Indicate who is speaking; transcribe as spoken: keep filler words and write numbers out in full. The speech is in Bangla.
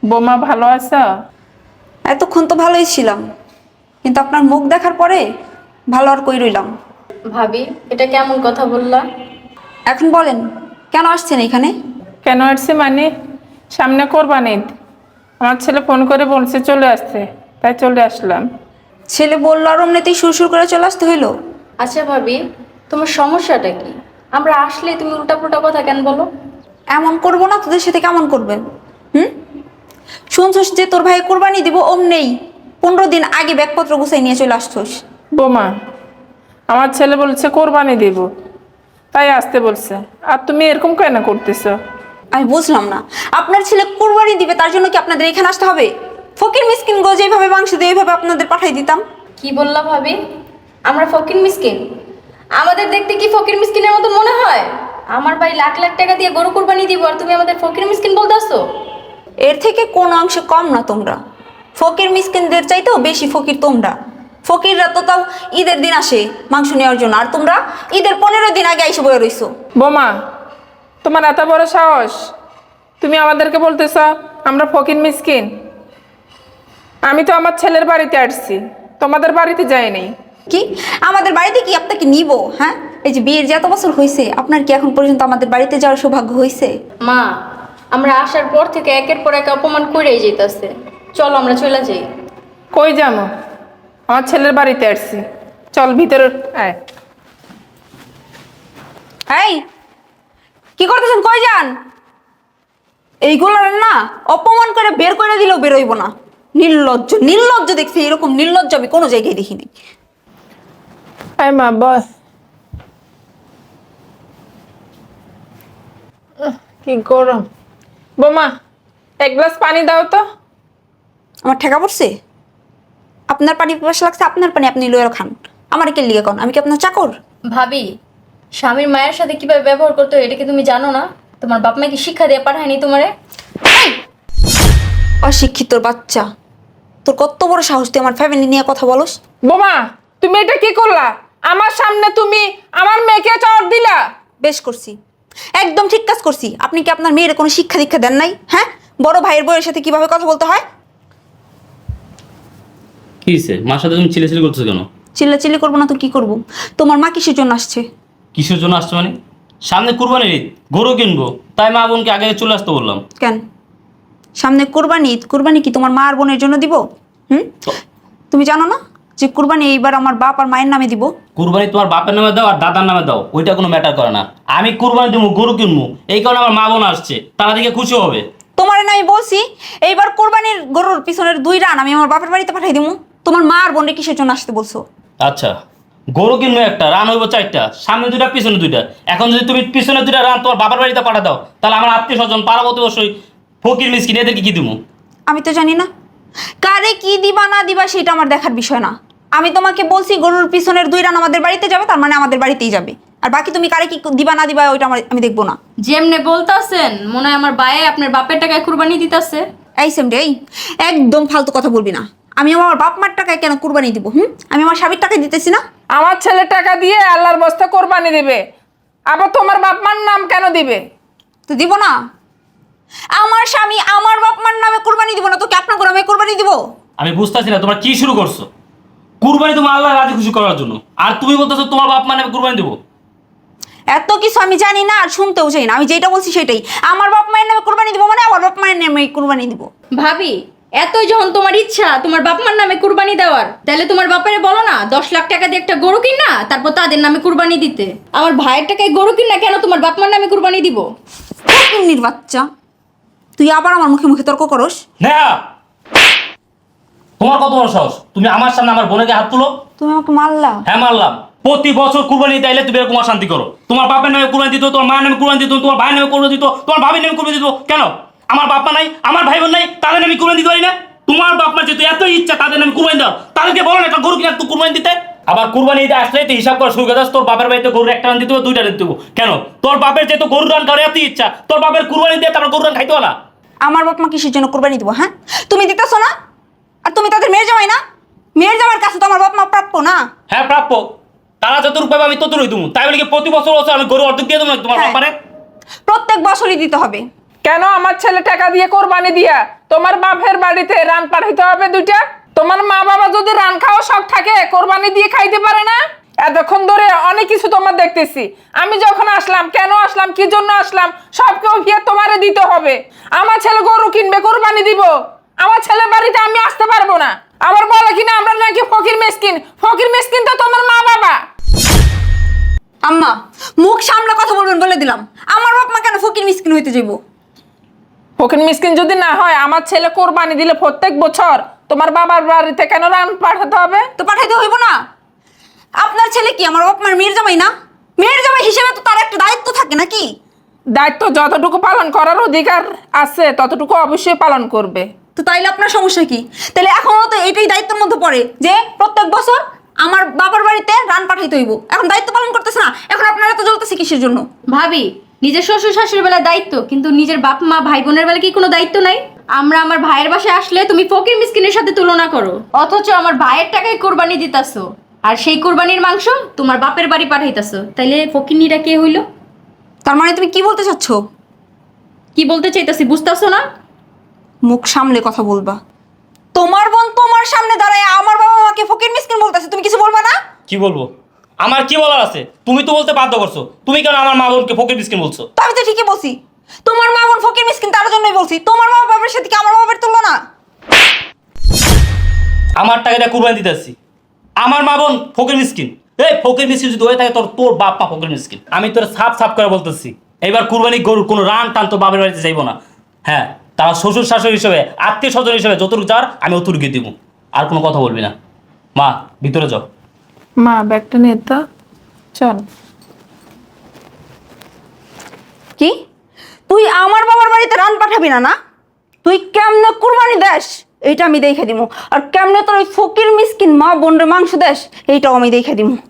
Speaker 1: বোমা ভালো আছো?
Speaker 2: এতক্ষণ তো ভালোই ছিলাম, কিন্তু আপনার মুখ দেখার পরে ভালো আর কই রইলাম।
Speaker 3: ভাবি, এটা কেমন কথা বললা?
Speaker 2: এখন বলেন, কেন আসছেন এখানে?
Speaker 1: কেন আসছে মানে, সামনে কোরবানি ঈদ। আমার ছেলে ফোন করে বলছে চলে আসতে, তাই চলে আসলাম।
Speaker 2: ছেলে বললো আর অমনিতেই সুরসুর করে চলে আসতে হইলো?
Speaker 3: আচ্ছা ভাবি, তোমার সমস্যাটা কি? আমরা আসলে তুমি উল্টাপুল্টা কথা কেন বলো?
Speaker 2: এমন করবো না, তোদের সাথে কেমন করবেন? হুম, শুনছস যে তোর ভাই কোরবানি দিব, অমনেই পনেরো দিন আগে ব্যাগপত্র গুছাই নিয়ে চলে আসছোস।
Speaker 1: বোমা, আমার ছেলে বলছে কোরবানি দিব, তাই আসতে বলছে। আর তুমি এরকম কেন করতেছো?
Speaker 2: আমি বুঝলাম না, আপনার ছেলে কোরবানি দিবে তার জন্য কি আপনাদের এখানে আসতে হবে? ফকির মিসকিন গো যেভাবে মাংস দিয়ে এইভাবে আপনাদের পাঠাই দিতাম।
Speaker 3: কি বললা ভাবি? আমরা ফকির মিসকিন? আমাদের দেখতে কি ফকির মিসকিনের মতো মনে হয়? আমার ভাই লাখ লাখ টাকা দিয়ে গরু কুরবানি দিব আর তুমি আমাদের ফকির মিসকিন বলতেছো?
Speaker 2: এর থেকে কোনো অংশে কম না তোমরা। ফকির মিসকিনদের চাইতেও বেশি ফকির তোমরা। ফকিররা তো তাও ঈদের দিন আসে মাংস নেওয়ার জন্য, আর তোমরা ঈদের পনেরো দিন আগে এসে বয়ে রইছো।
Speaker 1: বোমা, তোমার এত বড় সাহস, তুমি আমাদেরকে বলতেছ আমরা ফকির মিসকিন? আমি তো আমার ছেলের বাড়িতে আসছি, তোমাদের বাড়িতে যাইনি।
Speaker 2: কি আমাদের বাড়িতে কি আপনাকে নিব? হ্যাঁ, এই যে বিয়ের যে এত বছর হয়েছে, আপনার কি এখন পর্যন্ত আমাদের বাড়িতে যাওয়ার সৌভাগ্য হয়েছে?
Speaker 3: মা, আমরা আসার পর থেকে একের পর এক অপমান করেই যেতেছে। চলো আমরা চলে যাই।
Speaker 1: কই যাবো? আমার ছেলের বাড়িতে আসছি, চল ভিতরে আয়।
Speaker 2: এই কি করতেছেন? কই যান? এইগুলো না অপমান করে বের করে দিলেও বেরোইব না। নির্লজ্জ নির্লজ্জ দেখছি, এরকম নির্লজ্জ আমি কোনো জায়গায় দেখিনি।
Speaker 1: আয় মা, বস। আহ, কি গরম। বোমা, এক গ্লাস পানি দাও তো।
Speaker 2: আমার ঠেকা পড়ছে? আপনার পানি পিপাসা লাগছে, আপনার পানি আপনি লয়ে খান। আমার কে লিগে কন? আমি কি আপনার চাকর?
Speaker 3: ভাবি, স্বামীর মায়ের সাথে কিভাবে ব্যবহার করতে হয় এটা কি তুমি জানো না? তোমার বাপ মা কি শিক্ষা দিয়ে পাঠায়নি তোমারে?
Speaker 2: অশিক্ষিতর বাচ্চা, তোর কত বড় সাহস তুই আমার ফ্যামিলি নিয়ে কথা বলস?
Speaker 1: বোমা, তুমি এটা কি করলা? আমার সামনে তুমি আমার মেয়েকে চড় দিলা।
Speaker 2: বেশ করছি, একদম ঠিক কাজ করছি। আপনি কি আপনার মেয়ের কোনো শিক্ষা দীক্ষা দেন নাই? হ্যাঁ, বড় ভাইয়ের বউয়ের সাথে কিভাবে কথা বলতে হয়?
Speaker 4: কি হয়েছে? মার সাথে তুমি চিল্লাচিল্লি করছো কেন?
Speaker 2: চিল্লাচিল্লি করবো না তো কি করবো? তোমার মা কিসের জন্য আসছে?
Speaker 4: কিসের জন্য আসছো মানে? সামনে কুরবানির ঈদ, গরু কিনবো, তাই মা বোনকে আগে চলে আসতে বললাম।
Speaker 2: কেন সামনে কুরবানি ঈদ? কুরবানি কি তোমার মা আর বোনের জন্য দিব? হুম, তুমি জানো না যে কুরবানি এইবার আমার বাপ আর মায়ের নামে দিব?
Speaker 4: কুরবানি তোমার বাপের নামে দাও আর দাদার নামে দাও, ওইটা কোনো ম্যাটার করে না। আমি কুরবানি দেবো, গরু কিনবো, এই কারণে আমার মা বোন আসছে, তারা দিকে খুশি হবে।
Speaker 2: তোমার না আমি বলছি এইবার কোরবানির গরুর পিছনের দুই রান আমি আমার বাপের বাড়িতে পাঠাই দিব। তোমার মা আর বোনের কিসের জন্য আসতে বলছো?
Speaker 4: আচ্ছা, গরু কিনবো একটা, রান হইব চারটা, সামনে দুইটা পিছনে দুইটা। এখন যদি তুমি পিছনে দুইটা রান তোমার বাবার বাড়িতে পাঠা দাও, তাহলে আমার আত্মীয় স্বজন পাড়া প্রতিবেশী ফকির মিসকিন এদেরকে কি দিব?
Speaker 2: আমি তো জানি না কারে কি দিবা না দিবা, সেটা আমার দেখার বিষয় না। আমি তোমাকে বলছি গরুর পিছনের দুই রান আমাদের বাড়িতে যাবে, তার মানে আমাদের বাড়িতেই যাবে। আর বাকি তুমি কারে কি দিবা না দিবা ওইটা আমার আমি দেখবো না।
Speaker 3: যেমনে বলতাছেন মনে হয় আমার বায়ে আপনার বাপের টাকায় কুরবানি দিতেছে।
Speaker 2: এই সেমডে, এই একদম ফালতু কথা বলবি না। আমি আমার বাপ মার টাকায় কেন কুরবানি দিব? হুম, আমি আমার স্বামীর টাকায় দিতেছি না?
Speaker 1: আমার ছেলে টাকা দিয়ে আল্লাহর বস্তা কোরবানি দিবে, আবার তোমার বাপ মার নাম কেন দিবে?
Speaker 2: তো দিব না। আমার স্বামী আমার বাপ মার নামে কুরবানি দিব না তো কি আপনার নামে কুরবানি দিব?
Speaker 4: আমি বুঝতেছি না তোমরা কি শুরু করছো। কুরবানি তোমার আল্লাহ রাজি খুশি করার জন্য, আর তুমি বলতেছো তোমার বাপ মানে কুরবানি দেবো।
Speaker 2: এত কিছু আমি জানি না আর শুনতেও চাই না। আমি যেটা বলছি সেটাই। আমার বাপ মায়ের নামে কুরবানি দিব মানে আমার বাপ মায়ের নামে কুরবানি দিব।
Speaker 3: ভাবি, এতই যখন তোমার ইচ্ছা তোমার বাপ মার নামে কুরবানি দেওয়ার, তাহলে তোমার বাপেরে বলো না দশ লাখ টাকা দিয়ে একটা গরু কিনা তারপর তাদের নামে কুরবানি দিতে। আমার ভাইয়ের টাকায় গরু কিনা কেন তোমার বাপ মার নামে কুরবানি দিব?
Speaker 2: ফকিন্নির বাচ্চা, তুই আবার আমার মুখে মুখে তর্ক করস?
Speaker 4: না, তোমার কত বড় সাহস, তুমি আমার সামনে আমার বোনকে হাত তুলো?
Speaker 2: তুমি আমাকে মারলা?
Speaker 4: হ্যাঁ মারলাম। প্রতি বছর কুরবানি দিতে আইলে তুমি এরকম অশান্তি করো। তোমার বাপের নামে কুরবানি দিত, তোমার মায়ের নামে কুরবানি দিত, তোমার ভাইয়ের নামে কুরবানি দিত, তোমার ভাবির নামে কুরবানি দিত। কেন আমার বাপ মা নাই, আমার ভাই বোন নাই, তাদের নামে কুরবানি দিতে পারি না? তোমার বাপ মা যেহেতু এত ইচ্ছা তাদের নামে কুরবানি দাও, তাদেরকে বলো না একটা গরু কিনা একটু কুরবানি দিতে। আবার কুরবানি দিতে আসলে তো হিসাব করে শুরু করে দাস, তোর বাপের বাড়িতে গরু একটা রান দিতে হবে, দুইটা রান দিতে হবে। কেন তোর বাপের যেহেতু গরু রান করে এত ইচ্ছা, তোর বাপের কুরবানি দিয়ে তারপর গরু রান খাইতে না?
Speaker 2: আমার বাপ মা কিসের জন্য কুরবানি দিব? হ্যাঁ, তুমি দিতেছো না? আর তুমি তাদের মেয়ের জামাই না? মেয়ের জামাইয়ের কাছে তো আমার বাপ মা প্রাপ্য না?
Speaker 4: হ্যাঁ প্রাপ্য, তারা যতটুকু পাবে আমি ততটুকুই দেবো। তাই বলে কি প্রতি বছর বছর আমি গরু অর্ধেক দিয়ে দেবো তোমার
Speaker 2: হ্যাঁ,
Speaker 4: বাপারে?
Speaker 2: প্রত্যেক বছরই দিতে হবে।
Speaker 1: কেন আমার ছেলে টাকা দিয়ে কোরবানি দিয়া তোমার বাপের বাড়িতে রান পাঠাইতে হবে দুইটা। তোমার মা বাবা যদি রান খাওয়া শখ থাকে কোরবানি দিয়ে খাইতে পারে না? এতক্ষণ ধরে অনেক কিছু তোমার দেখতেছি। আমি যখন আসলাম, কেন আসলাম, কি জন্য আসলাম, সব কেউ ভিয়ে তোমারে দিতে হবে। আমার ছেলে গরু কিনবে, কোরবানি দিব, আমার ছেলের বাড়িতে আমি আসতে পারবো না। আবার বলে কিনা আমরা নাকি ফকির মিসকিন। ফকির মিসকিন তো তোমার মা বাবা।
Speaker 2: আম্মা, মুখ সামলা কথা বলবেন বলে দিলাম। আমার বাপ মা কেন ফকির মিসকিন হইতে যাইব?
Speaker 1: ফকির মিসকিন যদি না হয়, আমার ছেলে কোরবানি দিলে প্রত্যেক বছর তোমার বাবার বাড়িতে কেন রান পাঠাতে হবে?
Speaker 2: তো পাঠাইতে হইব না? আপনার ছেলে কি আমার বাপ মার মেয়ের জামাই না? মেয়ের জামাই হিসেবে তো তার একটা দায়িত্ব থাকে নাকি?
Speaker 1: দায়িত্ব যতটুকু পালন করার অধিকার আছে ততটুকু অবশ্যই পালন করবে।
Speaker 2: তো তাইলে আপনার সমস্যা কি? তাহলে এখনো তো এটাই দায়িত্বের মধ্যে পড়ে যে প্রত্যেক বছর আমার বাবার বাড়িতে রান পাঠাইতে হইব। এখন দায়িত্ব পালন করতেছে না, এখন আপনারা তো জ্বলতেছে কিসের জন্য?
Speaker 3: ভাবি, নিজের শ্বশুর শাশুড়ির বেলা দায়িত্ব, কিন্তু নিজের বাপ মা ভাই বোনের বেলা কি কোনো দায়িত্ব নাই? আমরা আমার ভাইয়ের বাসায় আসলে তুমি ফকির মিসকিনের সাথে তুলনা করো, অথচ আমার ভাইয়ের টাকায় কোরবানি দিতাছো, আর সেই কোরবানির মাংস তোমার বাপের বাড়ি পাঠাইতাছো। তাইলে ফকিরনিরা কে হইলো?
Speaker 2: তার মানে তুমি কি বলতে চাচ্ছ?
Speaker 3: কি বলতে চাইতাছি বুঝতাছো না?
Speaker 2: মুখ সামলে কথা বলবা। তোমার বোন তোমার সামনে দাঁড়ায় আমার বাবা মাকে ফকির মিসকিন বলতেছে, তুমি কিছু বলবা না?
Speaker 4: কি বলবো? আমার কি বলার আছে? তুমি তো বলতে বাধ্য করছো। তুমি কেন আমার মা বোনকে ফকির মিসকিন বলছো?
Speaker 2: তো আমি তো ঠিকই বলছি, তোমার মা বোন ফকির মিসকিন তার জন্যই বলছি। তোমার মা বাবার সাথে কি আমার মা বাবার তুলনা না?
Speaker 4: আমার টাকা দিয়ে কুরবানি দিতেছি, আমার মা বোন ফকির মিসকিন? এই ফকির মিসকিন যদি হয়ে থাকে তোর তোর বাপ মা ফকির মিসকিন। আমি তোর সাফ সাফ করে বলতেছি, এবার কুরবানি গরুর কোনো রান টান তো বাপের বাড়িতে যাইবো না। হ্যাঁ, তারা শ্বশুর শাশুড়ি হিসেবে, আত্মীয় স্বজন হিসেবে যতটুকু যাওয়ার আমি অতটুকু দিব। আর কোনো কথা বলবি না। মা, ভিতরে যাও।
Speaker 1: মা, ব্যাগটা নিয়ে তো চল।
Speaker 2: কি তুই আমার বাবার বাড়িতে রান পাঠাবি না? না, তুই কেমনে কুরবানি দেশ এইটা আমি দেখে দিব, আর কেমনে তোর ওই ফকির মিসকিন মা বোনের মাংস দেশ এইটাও আমি দেখে দিব।